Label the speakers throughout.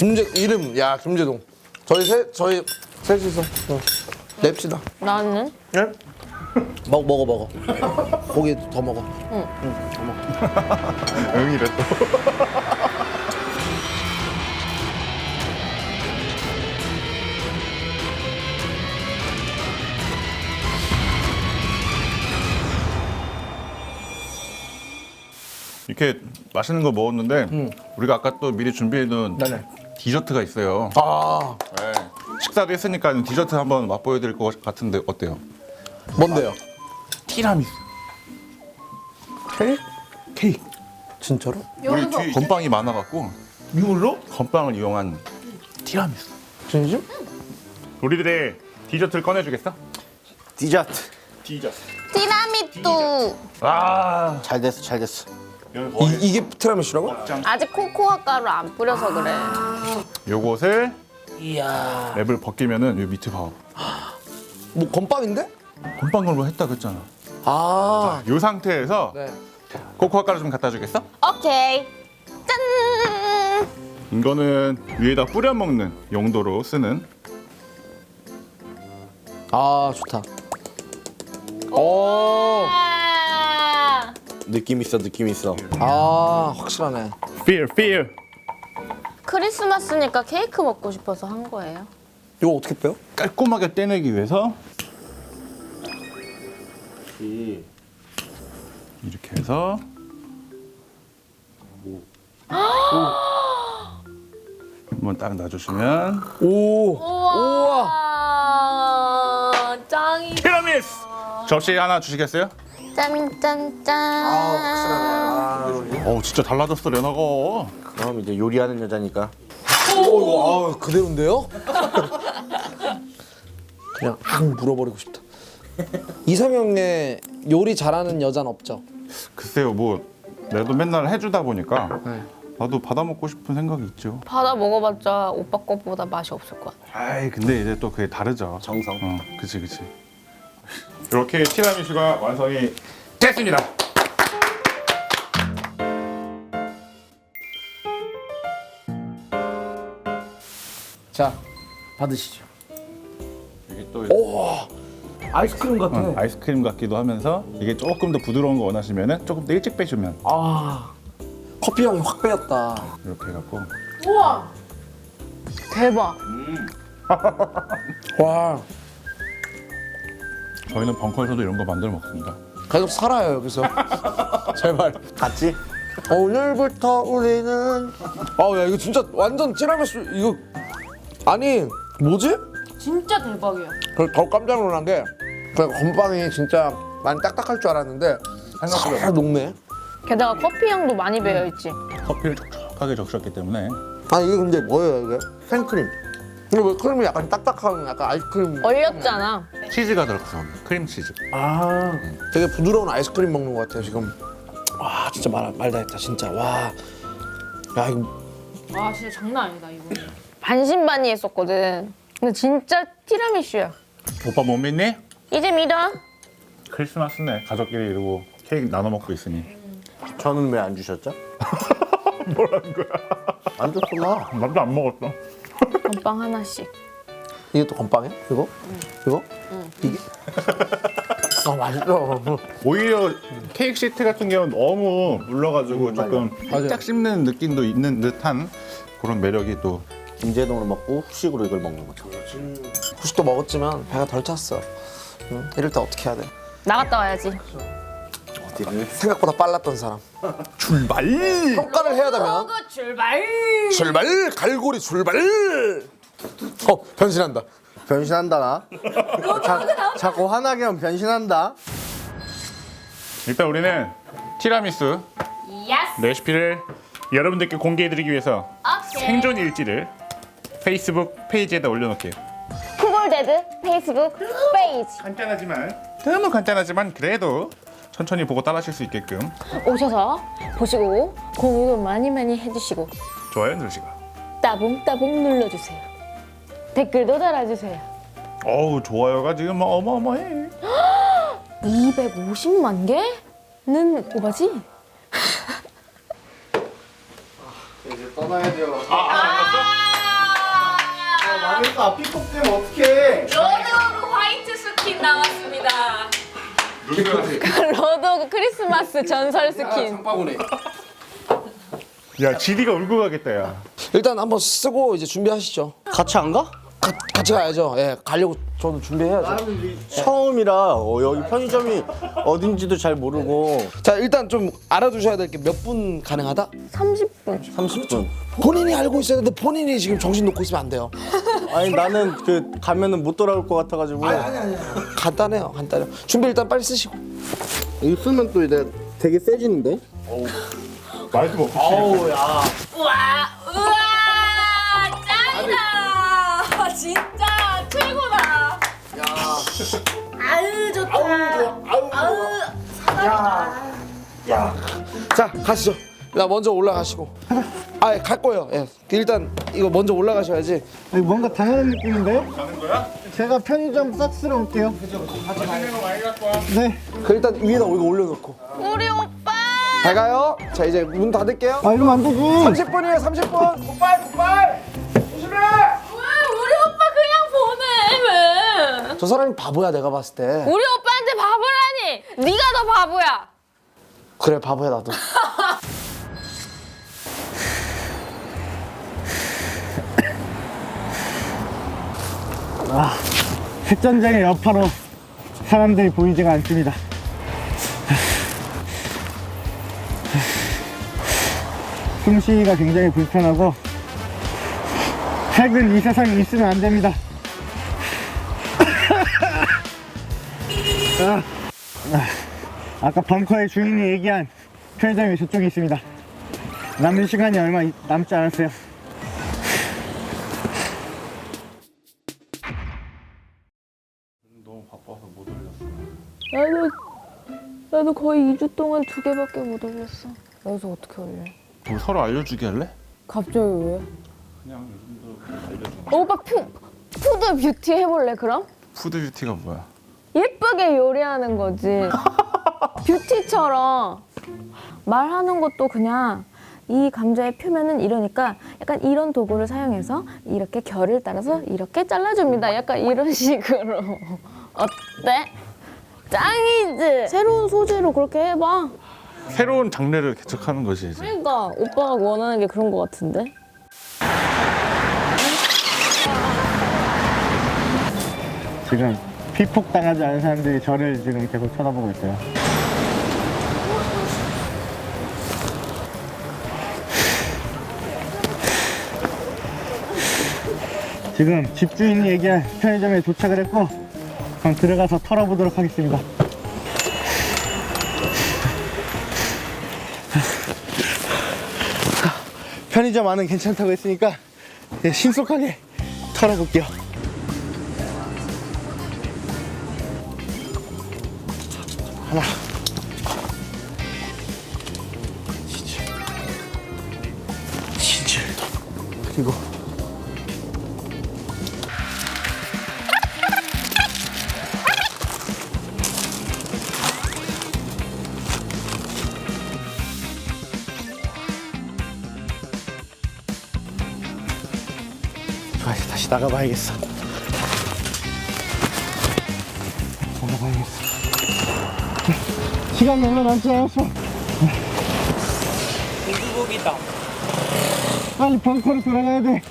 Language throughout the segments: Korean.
Speaker 1: 김재동. 저희 셋이서 냅시다.
Speaker 2: 나는?
Speaker 1: 네? 먹어. 고기 더 먹어.
Speaker 3: 응이래 또. 이렇게 맛있는 거 먹었는데 우리가 아까 또 미리 준비해둔
Speaker 1: 네네.
Speaker 3: 디저트가 있어요.
Speaker 1: 아,
Speaker 3: 네. 식사도 했으니까 디저트 한번 맛보여드릴 것 같은데 어때요?
Speaker 1: 뭔데요?
Speaker 3: 티라미수.
Speaker 1: 케이크?
Speaker 3: 케이크.
Speaker 1: 진짜로?
Speaker 3: 우리 뒤에 건빵이 많아갖고
Speaker 1: 이걸로?
Speaker 3: 건빵을 이용한 티라미수.
Speaker 1: 진심?
Speaker 3: 우리들의 디저트를 꺼내주겠어?
Speaker 4: 디저트.
Speaker 3: 디저트.
Speaker 2: 티라미수.
Speaker 3: 아.
Speaker 4: 잘 됐어.
Speaker 1: 이게 티라미수라고?
Speaker 2: 아직 코코아 가루 안 뿌려서 그래.
Speaker 3: 요것을
Speaker 1: 이야.
Speaker 3: 랩을 벗기면은 요 밑에 봐.
Speaker 1: 뭐 건빵인데?
Speaker 3: 건빵 걸로 했다 그랬잖아.
Speaker 1: 아.
Speaker 3: 요 상태에서
Speaker 1: 네.
Speaker 3: 코코아 가루 좀 갖다 주겠어?
Speaker 2: 오케이. 짠.
Speaker 3: 이거는 위에다 뿌려 먹는 용도로 쓰는.
Speaker 1: 아, 좋다. 오.
Speaker 2: 아.
Speaker 4: 느낌 있어.
Speaker 1: 아, 확실하네.
Speaker 3: Fear.
Speaker 2: 크리스마스니까 케이크 먹고 싶어서 한 거예요.
Speaker 1: 이거 어떻게 빼요?
Speaker 3: 깔끔하게 떼내기 위해서 이렇게 해서 한번 딱 놔주시면
Speaker 1: 오.
Speaker 2: 우와. 짱이.
Speaker 3: 티라미수! 접시 하나 주시겠어요?
Speaker 2: 짠짠짠.
Speaker 3: 어우 진짜 달라졌어 레나가.
Speaker 4: 그럼 이제 요리하는 여자니까.
Speaker 1: 이거 그대로인데요? 그냥 확 물어버리고 싶다. 이상형의 요리 잘하는 여자는 없죠?
Speaker 3: 글쎄요 뭐 내도 맨날 해주다 보니까
Speaker 1: 네.
Speaker 3: 나도 받아 먹고 싶은 생각이 있죠.
Speaker 2: 받아 먹어봤자 오빠 거보다 맛이 없을 것 같아.
Speaker 3: 아이 근데 이제 또 그게 다르죠.
Speaker 4: 정성.
Speaker 3: 그치. 이렇게 티라미수가 완성이 됐습니다.
Speaker 1: 자, 받으시죠.
Speaker 3: 이게 또
Speaker 1: 아이스크림 같아.
Speaker 3: 아이스크림 같기도 하면서 이게 조금 더 부드러운 거 원하시면은 조금 더 일찍 빼주면
Speaker 1: 아, 커피 향이 확 빼였다.
Speaker 3: 이렇게 해갖고
Speaker 2: 우와. 대박.
Speaker 1: 와,
Speaker 3: 저희는 벙커에서도 이런 거 만들어 먹습니다.
Speaker 1: 계속 살아요 여기서. 제발.
Speaker 4: 같이?
Speaker 1: 오늘부터 우리는. 야 이거 진짜 완전 티라미수 이거 아니 뭐지?
Speaker 2: 진짜 대박이야.
Speaker 1: 그래서 더 깜짝 놀란 게 그 건빵이 진짜 많이 딱딱할 줄 알았는데 살 녹네.
Speaker 2: 게다가 커피 향도 많이 배어 있지.
Speaker 3: 커피를 촉촉하게 적셨기 때문에
Speaker 1: 아 이게 근데 뭐예요 이게? 생크림. 근데 왜 크림이 약간 딱딱한 약간 아이스크림?
Speaker 2: 얼렸잖아.
Speaker 3: 치즈가 들어가서 크림치즈.
Speaker 1: 아, 되게 부드러운 아이스크림 먹는 것 같아요 지금. 와 진짜 말다 했다 진짜. 와, 야 이거
Speaker 2: 와 진짜 장난 아니다 이거. 반신반의했었거든. 근데 진짜 티라미수야.
Speaker 3: 오빠 못 믿니?
Speaker 2: 이제 믿어.
Speaker 3: 크리스마스네. 가족끼리 이러고 케이크 나눠 먹고 있으니.
Speaker 4: 저는 왜 안 주셨죠?
Speaker 3: 뭐라는 거야?
Speaker 4: 안 줬구나.
Speaker 3: 나도 안 먹었어.
Speaker 2: 건빵 하나씩.
Speaker 1: 이게 또 건빵이야? 이거? 이거? 이게? 아 맛있어.
Speaker 3: 오히려 케이크 시트 같은 경우는 너무 물러가지고 조금
Speaker 1: 맞아요.
Speaker 3: 살짝 씹는 느낌도 있는 듯한 그런 매력이 또.
Speaker 4: 김제동을 먹고 후식으로 이걸 먹는 거죠.
Speaker 1: 후식도 먹었지만 배가 덜 찼어. 응? 이럴 때 어떻게 해야 돼?
Speaker 2: 나갔다 와야지.
Speaker 4: 어디를?
Speaker 1: 생각보다 빨랐던 사람.
Speaker 3: 출발!
Speaker 1: 평가를 해야 되면
Speaker 2: 출발.
Speaker 1: 출발 갈고리 출발. 변신한다.
Speaker 4: 변신한다 나. 자꾸 화나게 하면 변신한다.
Speaker 3: 일단 우리는 티라미수
Speaker 2: 예스.
Speaker 3: 레시피를 여러분들께 공개해드리기 위해서
Speaker 2: 오케이.
Speaker 3: 생존 일지를 페이스북 페이지에다 올려놓을게요.
Speaker 2: 쿠골데드 페이스북 페이지.
Speaker 3: 너무 간단하지만 그래도 천천히 보고 따라하실 수 있게끔
Speaker 2: 오셔서 보시고 공유도 많이 해주시고
Speaker 3: 좋아요 누르시고.
Speaker 2: 따봉따봉 눌러주세요. 댓글도 달아주세요.
Speaker 3: 어우 좋아요가 지금 뭐 어마어마해.
Speaker 2: 250만 개는 오바지?
Speaker 4: 이제 떠나야 돼요.
Speaker 3: 아,
Speaker 4: 망했다. 픽업 되면 어떡해.
Speaker 2: 로드오브 화이트 스킨 나왔습니다.
Speaker 1: 누구까지?
Speaker 2: 로드오브 크리스마스 전설 스킨.
Speaker 1: 장바구니.
Speaker 3: 야 지리가 울고 가겠다 야.
Speaker 1: 일단 한번 쓰고 이제 준비하시죠.
Speaker 4: 같이 안 가?
Speaker 1: 같이 가야죠. 예, 가려고 저도 준비해야죠.
Speaker 4: 처음이라 여기 편의점이 어딘지도 잘 모르고
Speaker 1: 자, 일단 좀 알아두셔야 될 게 몇 분 가능하다?
Speaker 2: 30분.
Speaker 4: 30분.
Speaker 1: 본인이 알고 있어야 되는데 본인이 지금 정신 놓고 있으면 안 돼요.
Speaker 4: 아니 나는 그 가면은 못 돌아올 것 같아가지고.
Speaker 1: 간단해요, 간단해요. 준비 일단 빨리 쓰시고.
Speaker 4: 이거 쓰면 또 이제 되게 세지는데?
Speaker 3: 말도 못.
Speaker 4: 아우 야.
Speaker 2: 우와 짱이다. 진짜 최고다. 아유 좋다.
Speaker 1: 자, 가시죠. 나 먼저 올라가시고. 아, 갈 거예요. 예. 일단 이거 먼저 올라가셔야지.
Speaker 5: 뭔가 당연한 느낌인데요?
Speaker 3: 가는 거야?
Speaker 5: 제가 편의점 싹 쓸어 올게요.
Speaker 3: 맛있는 거 많이 갖고 와.
Speaker 5: 네.
Speaker 1: 그 일단 위에다 이거 올려놓고.
Speaker 2: 우리 오빠.
Speaker 1: 잘 가요. 자, 이제 문 닫을게요.
Speaker 5: 아 이러면 안 되지.
Speaker 1: 30분이에요, 30분. 굿발. 조심해.
Speaker 2: 왜 우리 오빠 그냥 보내? 왜?
Speaker 1: 저 사람이 바보야, 내가 봤을 때.
Speaker 2: 우리 오빠한테 바보라니. 네가 더 바보야.
Speaker 1: 그래, 바보야 나도.
Speaker 5: 백전장의 여파로 사람들이 보이지가 않습니다. 숨쉬기가 굉장히 불편하고 핵은 이 세상에 있으면 안 됩니다. 아까 벙커의 주인이 얘기한 편의점이 저쪽에 있습니다. 남은 시간이 얼마 남지 않았어요.
Speaker 3: 너무 바빠서 못 올렸어.
Speaker 2: 나도 거의 2주 동안 2개밖에 못 올렸어. 여기서 어떻게 올려?
Speaker 3: 우리 서로 알려주게 할래?
Speaker 2: 갑자기 왜?
Speaker 3: 그냥 요즘도 알려줘.
Speaker 2: 오빠 푸드 뷰티 해볼래 그럼?
Speaker 3: 푸드 뷰티가 뭐야?
Speaker 2: 예쁘게 요리하는 거지. 뷰티처럼 말하는 것도 그냥 이 감자의 표면은 이러니까 약간 이런 도구를 사용해서 이렇게 결을 따라서 이렇게 잘라줍니다. 약간 이런 식으로. 어때? 짱이지? 새로운 소재로 그렇게 해봐.
Speaker 3: 새로운 장르를 개척하는 것이 이제.
Speaker 2: 그러니까 오빠가 원하는 게 그런 거 같은데?
Speaker 5: 지금 피폭 당하지 않은 사람들이 저를 지금 계속 쳐다보고 있어요. 지금 집주인이 얘기한 편의점에 도착을 했고 그럼 들어가서 털어보도록 하겠습니다. 편의점 안은 괜찮다고 했으니까 이제 신속하게 털어볼게요. 하나, 치즈, 그리고 좋아, 이제 다시 나가봐야겠어. 나가봐야겠어. 시간이 얼마 남지 않았어. 고주복이다. 빨리 벙커로 돌아가야 돼.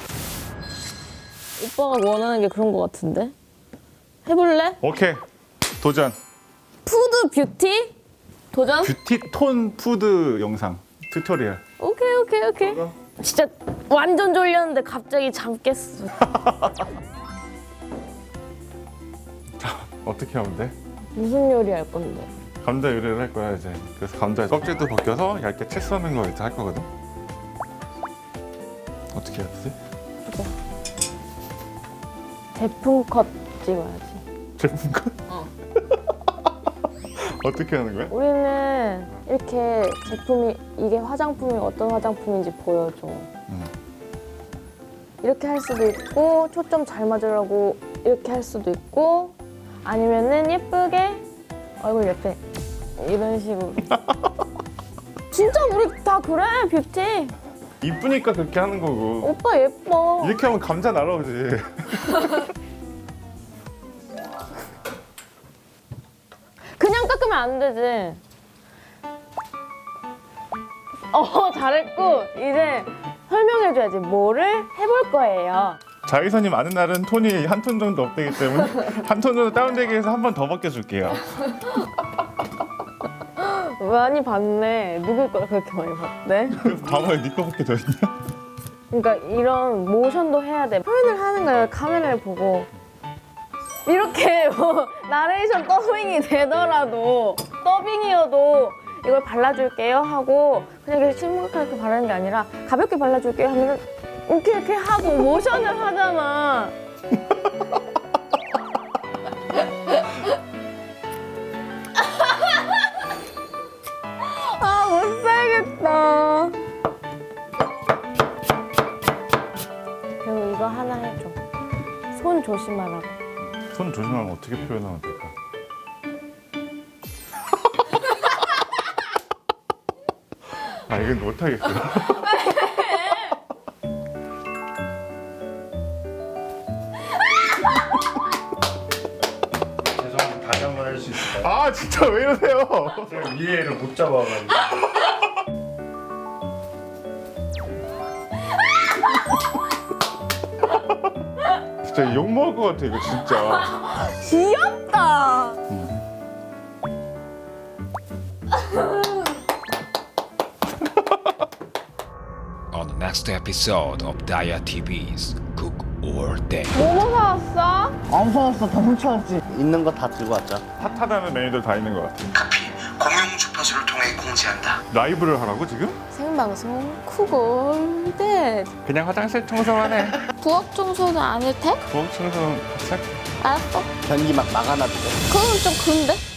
Speaker 2: 오빠가 원하는 게 그런 거 같은데? 해볼래?
Speaker 3: 오케이. 도전.
Speaker 2: 푸드 뷰티? 도전?
Speaker 3: 뷰티 톤 푸드 영상 튜토리얼.
Speaker 2: 오케이. 진짜 완전 졸렸는데 갑자기 잠 깼어.
Speaker 3: 어떻게 하면 돼?
Speaker 2: 무슨 요리 할 건데?
Speaker 3: 감자 요리를 할 거야 이제. 그래서 감자 껍질도 벗겨서 얇게 채 써는 거 이제 할 거거든. 어떻게 해야 되지?
Speaker 2: 제품 컷 찍어야지.
Speaker 3: 제품 컷? 어떻게 하는 거야?
Speaker 2: 우리는 이렇게 제품이 이게 화장품이 어떤 화장품인지 보여줘. 이렇게 할 수도 있고 초점 잘 맞으려고 이렇게 할 수도 있고 아니면은 예쁘게 얼굴 옆에 이런 식으로. 진짜 우리 다 그래 뷰티.
Speaker 3: 이쁘니까 그렇게 하는 거고.
Speaker 2: 오빠 예뻐.
Speaker 3: 이렇게 하면 감자 날아오지.
Speaker 2: 그냥 깎으면 안 되지. 잘했고 이제 설명해줘야지. 뭐를 해볼 거예요.
Speaker 3: 자외선이 많은 날은 톤이 한 톤 정도 업되기 때문에 한 톤 정도 다운되기 위해서 한 번 더 벗겨줄게요.
Speaker 2: 많이 봤네. 누구 걸 그렇게 많이 봤대?
Speaker 3: 봐봐요, 네 거밖에 더 있냐?
Speaker 2: 그러니까 이런 모션도 해야 돼. 표현을 하는 거예요. 카메라를 보고. 이렇게 뭐 나레이션 더빙이 되더라도 더빙이어도 이걸 발라줄게요 하고 그냥 이렇게 심각하게 바르는 게 아니라 가볍게 발라줄게요 하면 이렇게 하고 모션을 하잖아. 아, 못 살겠다. 그리고 이거 하나 해줘. 손 조심하라고.
Speaker 3: 손 조심하면 어떻게 표현하면 될까? 아, 이건 못하겠어요.
Speaker 4: 죄송합니다. 다시 한 번 할 수 있을까요?
Speaker 3: 아, 진짜 왜 이러세요?
Speaker 4: 제가 위에를 못 잡아가지고.
Speaker 3: 진짜 욕먹을 것 같아, 이거 진짜.
Speaker 2: 귀엽다.
Speaker 6: On the next episode of Daya TV's Cook or Day.
Speaker 2: 뭐뭐 사왔어?
Speaker 5: 안 사왔어. 다 훔쳐왔지.
Speaker 4: 있는 거 다 들고 왔죠.
Speaker 3: 핫하다는 메뉴들 다 있는 것 같아.
Speaker 7: 카피 공용 주파수를 통해 공지한다.
Speaker 3: 라이브를 하라고 지금?
Speaker 2: 생방송 쿠골대.
Speaker 3: 그냥 화장실 청소만 해.
Speaker 2: 부엌 청소는 안 해도 돼?
Speaker 3: 부엌 청소는 싹.
Speaker 2: 알았어.
Speaker 4: 변기 막 막아놔도 돼.
Speaker 2: 그건 좀 근데?